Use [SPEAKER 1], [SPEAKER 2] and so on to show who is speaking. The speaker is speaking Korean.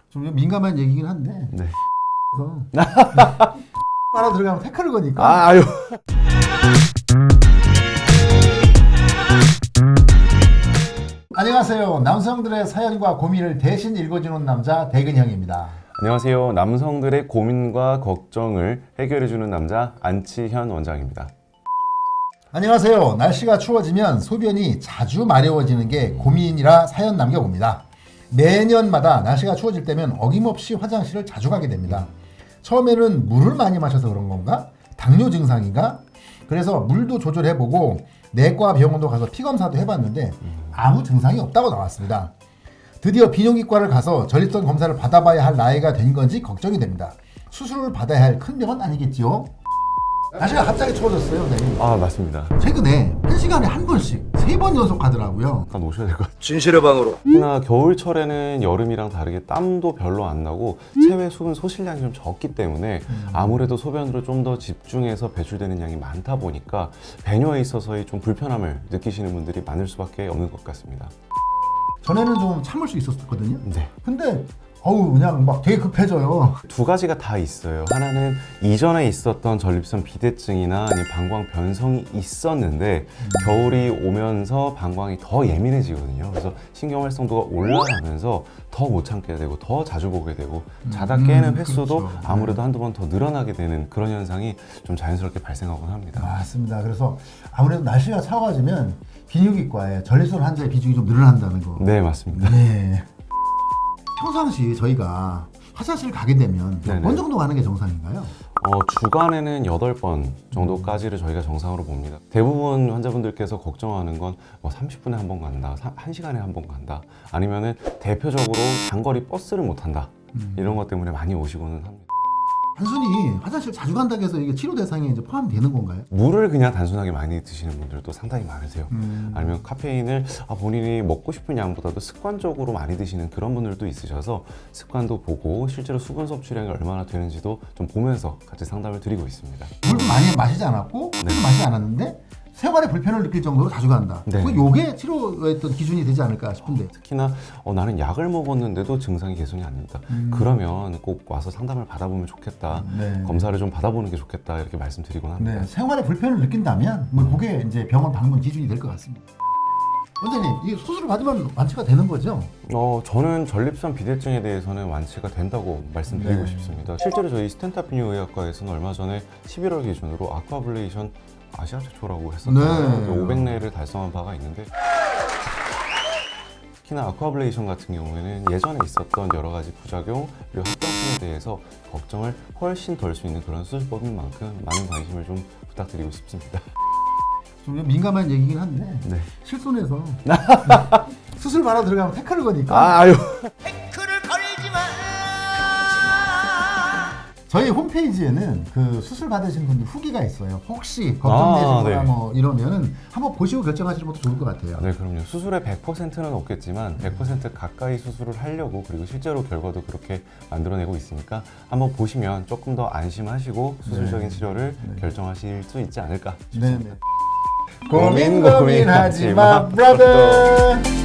[SPEAKER 1] 좀 민감한 얘기긴 한데.
[SPEAKER 2] 네.
[SPEAKER 1] 그래서 하나 들어가면 태클을 거니까.
[SPEAKER 2] 아유.
[SPEAKER 1] 안녕하세요. 남성들의 사연과 고민을 대신 읽어주는 남자 대근형입니다.
[SPEAKER 2] 안녕하세요. 남성들의 고민과 걱정을 해결해주는 남자 안치현 원장입니다.
[SPEAKER 1] 안녕하세요. 날씨가 추워지면 소변이 자주 마려워지는 게 고민이라 사연 남겨봅니다. 매년마다 날씨가 추워질 때면 어김없이 화장실을 자주 가게 됩니다. 처음에는 물을 많이 마셔서 그런 건가? 당뇨 증상인가? 그래서 물도 조절해보고 내과 병원도 가서 피검사도 해봤는데 아무 증상이 없다고 나왔습니다. 드디어 비뇨기과를 가서 전립선 검사를 받아봐야 할 나이가 된 건지 걱정이 됩니다. 수술을 받아야 할 큰 병은 아니겠지요? 날씨가 갑자기 추워졌어요. 네.
[SPEAKER 2] 아, 맞습니다.
[SPEAKER 1] 최근에 1시간에 한 번씩 3번 연속 가더라고요.
[SPEAKER 2] 잠깐 오셔야 될 것 같아요.
[SPEAKER 3] 진실의 방으로.
[SPEAKER 2] 특히나 겨울철에는 여름이랑 다르게 땀도 별로 안 나고 체외 수분 소실량이 좀 적기 때문에 아무래도 소변으로 좀 더 집중해서 배출되는 양이 많다 보니까 배뇨에 있어서의 좀 불편함을 느끼시는 분들이 많을 수밖에 없는 것 같습니다.
[SPEAKER 1] 전에는 좀 참을 수 있었거든요.
[SPEAKER 2] 네.
[SPEAKER 1] 근데 그냥 막 되게 급해져요.
[SPEAKER 2] 두 가지가 다 있어요. 하나는 이전에 있었던 전립선 비대증이나 아니면 방광 변성이 있었는데 겨울이 오면서 방광이 더 예민해지거든요. 그래서 신경 활성도가 올라가면서 더 못 참게 되고 더 자주 보게 되고 자다 깨는 횟수도
[SPEAKER 1] 그렇죠.
[SPEAKER 2] 아무래도 한두 번 더 늘어나게 되는 그런 현상이 좀 자연스럽게 발생하곤 합니다.
[SPEAKER 1] 맞습니다. 그래서 아무래도 날씨가 차가워지면 비뇨기과에 전립선 환자의 비중이 좀 늘어난다는 거.
[SPEAKER 2] 네, 맞습니다.
[SPEAKER 1] 네. 평상시 저희가 화장실 가게 되면
[SPEAKER 2] 네네.
[SPEAKER 1] 몇 번 정도 가는 게 정상인가요?
[SPEAKER 2] 주간에는 8번 정도까지를 저희가 정상으로 봅니다. 대부분 환자분들께서 걱정하는 건 30분에 한 번 간다, 1시간에 한 번 간다, 아니면은 대표적으로 장거리 버스를 못 탄다. 이런 것 때문에 많이 오시고는 합니다.
[SPEAKER 1] 단순히 화장실 자주 간다고 해서 이게 치료 대상에 이제 포함되는 건가요?
[SPEAKER 2] 물을 그냥 단순하게 많이 드시는 분들도 상당히 많으세요. 아니면 카페인을 본인이 먹고 싶은 양보다도 습관적으로 많이 드시는 그런 분들도 있으셔서 습관도 보고 실제로 수분 섭취량이 얼마나 되는지도 좀 보면서 같이 상담을 드리고 있습니다.
[SPEAKER 1] 물도 많이 마시지 않았고 술도 마시지 않았는데 생활에 불편을 느낄 정도로 자주 간다.
[SPEAKER 2] 네.
[SPEAKER 1] 요게 치료의 어떤 기준이 되지 않을까 싶은데.
[SPEAKER 2] 특히나 나는 약을 먹었는데도 증상이 개선이 안 된다. 그러면 꼭 와서 상담을 받아보면 좋겠다.
[SPEAKER 1] 네.
[SPEAKER 2] 검사를 좀 받아보는 게 좋겠다. 이렇게 말씀드리곤 합니다.
[SPEAKER 1] 네, 생활에 불편을 느낀다면 그게 이제 병원 방문 기준이 될 것 같습니다. 원장님, 이 수술을 받으면 완치가 되는 거죠?
[SPEAKER 2] 저는 전립선 비대증에 대해서는 완치가 된다고 말씀드리고
[SPEAKER 1] 네.
[SPEAKER 2] 싶습니다. 실제로 저희 스텐타 비뇨의학과에서는 얼마 전에 11월 기준으로 아쿠아블레이션 아시아 최초라고 했었는데
[SPEAKER 1] 네.
[SPEAKER 2] 500내를 달성한 바가 있는데 특히나 아쿠아블레이션 같은 경우에는 예전에 있었던 여러 가지 부작용 그리고 합병증에 대해서 걱정을 훨씬 덜 수 있는 그런 수술법인 만큼 많은 관심을 좀 부탁드리고 싶습니다.
[SPEAKER 1] 좀 민감한 얘기긴 한데
[SPEAKER 2] 네.
[SPEAKER 1] 실손해서 수술 받아 들어가면 태클을 거니까
[SPEAKER 2] 아유.
[SPEAKER 3] 태클을 걸지 마.
[SPEAKER 1] 저희 홈페이지에는 그 수술 받으신 분들 후기가 있어요. 혹시 걱정되시거나
[SPEAKER 2] 네.
[SPEAKER 1] 이러면은 한번 보시고 결정하시는 것도 좋을 것 같아요.
[SPEAKER 2] 네, 그럼요. 수술의 100%는 없겠지만 100% 가까이 수술을 하려고 그리고 실제로 결과도 그렇게 만들어내고 있으니까 한번 보시면 조금 더 안심하시고 수술적인 치료를 결정하실 수 있지 않을까 싶습니다.
[SPEAKER 1] 네네. 고민하지 마, 브라더.